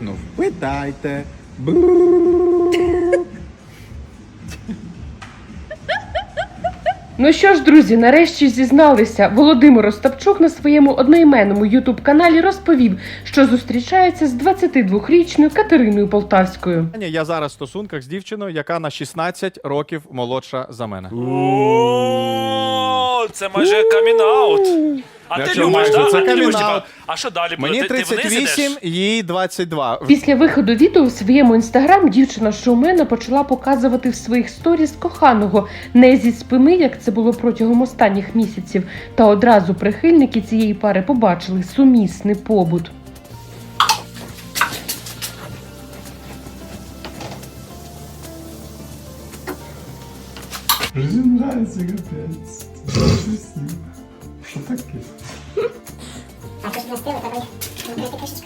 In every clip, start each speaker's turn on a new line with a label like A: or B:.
A: крикнув: питайте.
B: Ну що ж, друзі, нарешті зізналися. Володимир Остапчук на своєму одноіменному ютуб-каналі розповів, що зустрічається з 22-річною Катериною Полтавською.
A: Я зараз в стосунках з дівчиною, яка на 16 років молодша за мене.
C: О, це майже камін-аут. А ти
A: Якщо
C: любиш,
A: майже,
C: так?
A: це
C: А ти любиш,
A: камін-аут.
C: типа, а що далі буде?
A: Мені
C: Ти вниз
A: 38,
C: ідеш?
A: їй 22.
B: Після виходу відео в своєму інстаграм дівчина-шоумена почала показувати в своїх сторіс коханого не зі спини, як це було протягом останніх місяців, та одразу прихильники цієї пари побачили сумісний побут.
D: Жизнь нравится, капец. Что такое?
E: А ты же настроила, давай. Ну, ты крышечку.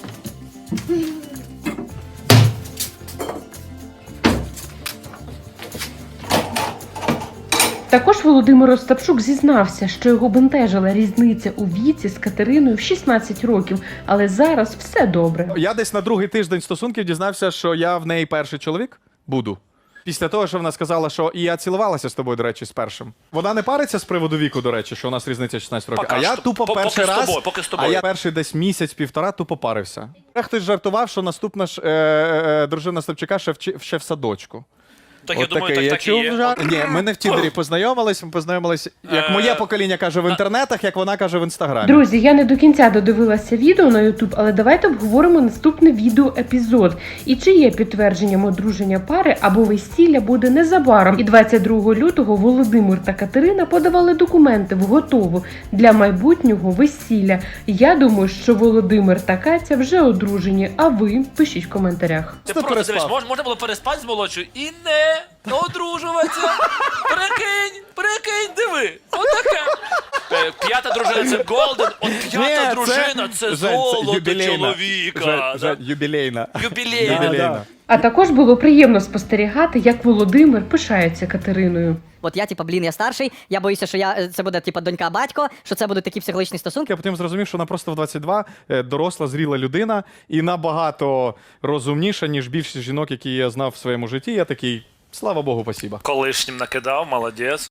B: Також Володимир Остапчук зізнався, що його бентежила різниця у віці з Катериною в 16 років, але зараз все добре.
A: Я десь на другий тиждень стосунків дізнався, що я в неї перший чоловік буду. Після того, що вона сказала, що і я цілувалася з тобою, до речі, з першим. Вона не париться з приводу віку, до речі, що у нас різниця 16 років.
C: Поки
A: А я
C: що.
A: тупо
C: Поки
A: перший
C: з
A: раз,
C: тобою, поки з тобою.
A: а я перший десь місяць-півтора тупо парився. Хтось жартував, що наступна ж дружина Остапчука ще в садочку.
C: Так я
A: От
C: думаю,
A: такий,
C: так і
A: чув
C: є.
A: жарт. Ні, ми не в Тіндері познайомились, ми познайомились, як моє покоління каже в інтернетах, як вона каже в інстаграмі.
B: Друзі, я не до кінця додивилася відео на YouTube, але давайте обговоримо наступний відеоепізод. І чи є підтвердженням одруження пари або весілля буде незабаром. І 22 лютого Володимир та Катерина подавали документи в готову для майбутнього весілля. Я думаю, що Володимир та Катя вже одружені, а ви пишіть в коментарях.
C: Ти
A: Просто
C: просто дивись,
A: переспав.
C: можна було переспати з молодшою і не одружуватися. Прикинь, диви. Отаке. П'ята дружина це голден, от п'ята дружина це золото чоловіка.
A: Жень, юбілейна.
C: Юбілейна.
B: А також було приємно спостерігати, як Володимир пишається Катериною.
F: От я, я старший, я боюся, що це буде, донька-батько, що це будуть такі психологічні стосунки.
A: Я потім зрозумів, що вона просто в 22 доросла, зріла людина і набагато розумніша, ніж більшість жінок, які я знав в своєму житті. Я такий, слава Богу, спасіба.
C: Колишнім накидав, молодець.